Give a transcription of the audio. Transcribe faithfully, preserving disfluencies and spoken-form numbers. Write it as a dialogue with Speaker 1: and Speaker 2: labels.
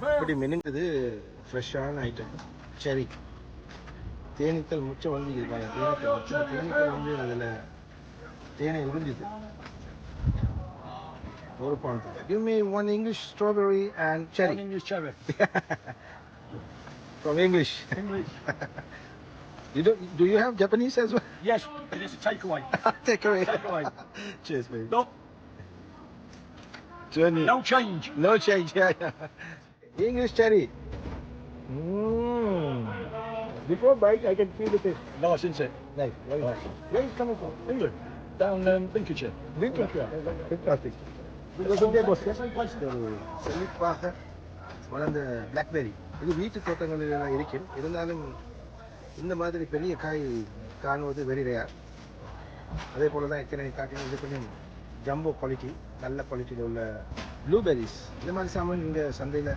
Speaker 1: இப்படி மெனுங்குது ஃப்ரெஷ்ஷான ஐட்டம் செரி. தேனீக்கள் முச்சம் வந்து இருப்பாங்க. தேனீக்கள் முச்சம் தேனீக்கள் வந்து அதில் தேனை உறிஞ்சுது. ஒரு pound. Give me one English strawberry and cherry.
Speaker 2: One English cherry.
Speaker 1: From English.
Speaker 2: English.
Speaker 1: You do, do you have Japanese as well?
Speaker 2: Yes, it is a takeaway.
Speaker 1: Take away.
Speaker 2: Take away.
Speaker 1: Cheers, mate.
Speaker 2: No,
Speaker 1: Journey.
Speaker 2: no change.
Speaker 1: No change. Yeah, yeah. English cherry. Mm. Before bite, I can feel the taste.
Speaker 2: Nice, isn't it?
Speaker 1: Nice. Very nice. Where is it coming from?
Speaker 2: England. Down um, Lincolnshire.
Speaker 1: Lincolnshire. Fantastic. செழிப்பாக வளர்ந்த blackberry இது வீட்டு தோட்டங்களில் எல்லாம் இருக்கும். இருந்தாலும் இந்த மாதிரி பெரிய காய் காணுவது வெரி ரேர். அதே போல தான் எத்தனை காட்டிலும் இது கொஞ்சம் ஜம்போ குவாலிட்டி, நல்ல குவாலிட்டியில் உள்ள ப்ளூபெரிஸ். இந்த மாதிரி சாமான் இங்கே சந்தையில்